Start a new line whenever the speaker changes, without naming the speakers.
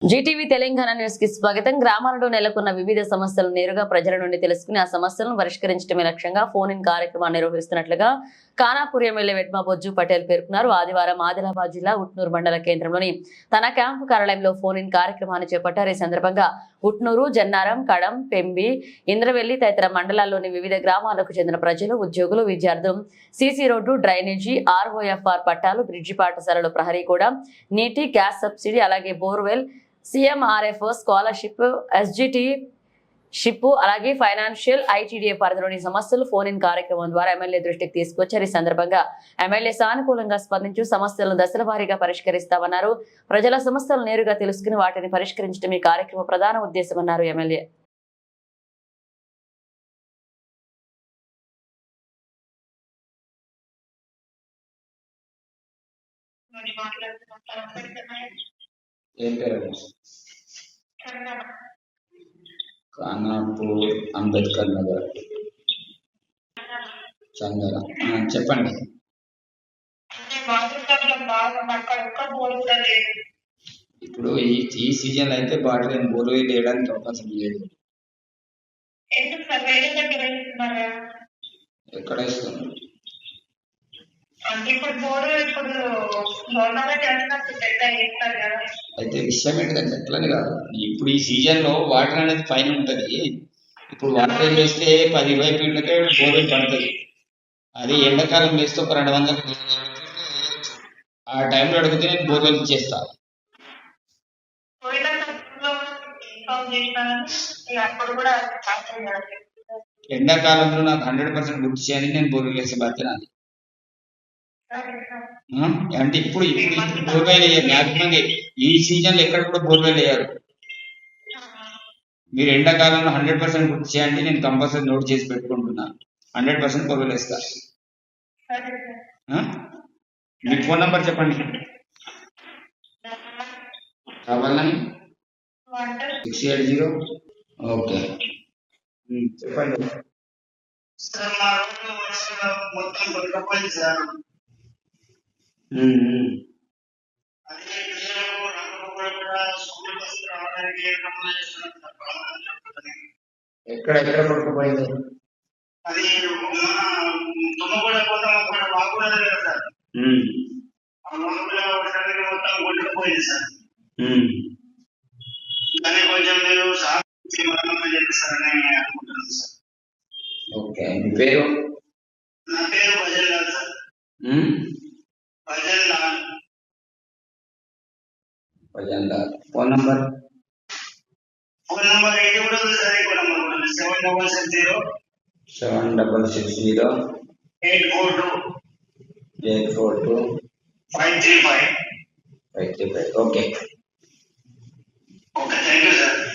Zee TV Telangana news కి స్వాగతం. గ్రామాలలో నెలకొన్న వివిధ సమస్యలు నేరుగా ప్రజల నుండి తెలుసుకుని ఆ సమస్యలను పరిష్కరించడమే లక్ష్యంగా ఫోన్ ఇన్ కార్యక్రమాన్ని నిర్వహిస్తున్నట్లుగా ఖానాపూర్ ఎమ్మెల్యే వెడ్మా బొజ్జు పటేల్ పేర్కొన్నారు. ఆదివారం ఆదిలాబాద్ జిల్లా ఉట్నూరు మండల కేంద్రంలోని తన క్యాంపు కార్యాలయంలో ఫోన్ ఇన్ కార్యక్రమాన్ని చేపట్టారు. ఈ సందర్భంగా ఉట్నూరు, జన్నారం, కడం, పెంబి, ఇంద్రవెల్లి తదితర మండలాల్లోని వివిధ గ్రామాలకు చెందిన ప్రజలు, ఉద్యోగులు, విద్యార్థులు సీసీ రోడ్డు, డ్రైనేజీ, ఆర్ఓఎఫ్ఆర్ పట్టాలు, బ్రిడ్జి పాఠశాలలు, ప్రహరీ కూడా, నీటి, గ్యాస్ సబ్సిడీ, అలాగే borewell, CMRF scholarship, SGT ship, అలాగే ఫైనాన్షియల్, ITDA పరిధిలోని సమస్యలు ఫోన్ ఇన్ కార్యక్రమం ద్వారా ఎమ్మెల్యే దృష్టికి తీసుకొచ్చారు. ఈ సందర్భంగా ఎమ్మెల్యే సానుకూలంగా స్పందించి సమస్యలను దశల వారీగా పరిష్కరిస్తామన్నారు. ప్రజల సమస్యలు నేరుగా తెలుసుకుని వాటిని పరిష్కరించడం ఈ కార్యక్రమ ప్రధాన ఉద్దేశమన్నారు ఎమ్మెల్యే.
ఖానాపూర్ అంబేద్కర్ నగర్ చందన. చెప్పండి. ఇప్పుడు ఈ సీజన్ అయితే బాటిల్ బోరు వేయడానికి అవకాశం లేదు. ఎక్కడ ఇస్తుంది? అయితే విషయం ఏంటంటే ఎట్లని కాదు, ఇప్పుడు ఈ సీజన్ లో వాటర్ అనేది పైన ఉంటది. ఇప్పుడు వాటర్ వేస్తే 10-20 ఫీట్లకే బోర్వెల్ పడుతుంది. అది ఎండాకాలం వేస్తే ఒక 200 ఆ టైంలో అడిగితే నేను బోర్వెల్ చేస్తా. ఎండాకాలంలో నాకు 100% గుర్తు చేయాలని నేను బోర్వెల్ వేసే బాధ్యత నాది. అంటే ఇప్పుడు బోర్వెల్ వేయాలి. మ్యాక్సిమం ఈ సీజన్ లో ఎక్కడ కూడా బోర్వెల్ వేయాలి. మీరు ఎండాకాలంలో 100% గుర్తు చేయండి, నేను కంపల్సరీ నోట్ చేసి పెట్టుకుంటున్నా. 100% బోర్వెల్ వేస్తా. మీ ఫోన్ నంబర్ చెప్పండి. కావాలని 680. ఓకే, చెప్పండి. ఎక్కడ పడుకోపోయింది? అది పోయింది సార్. దాన్ని కొంచెం మీరు చెప్పిస్తారని అనుకుంటున్నాను సార్. ఓకే, మీ పేరు? నా పేరు Bhajan Lal sir. Bhajan Lal. Phone number ఇది కూడా ఉంది సార్. ఇంకో నంబర్ కూడా 7660 842 535. Okay, thank you sir.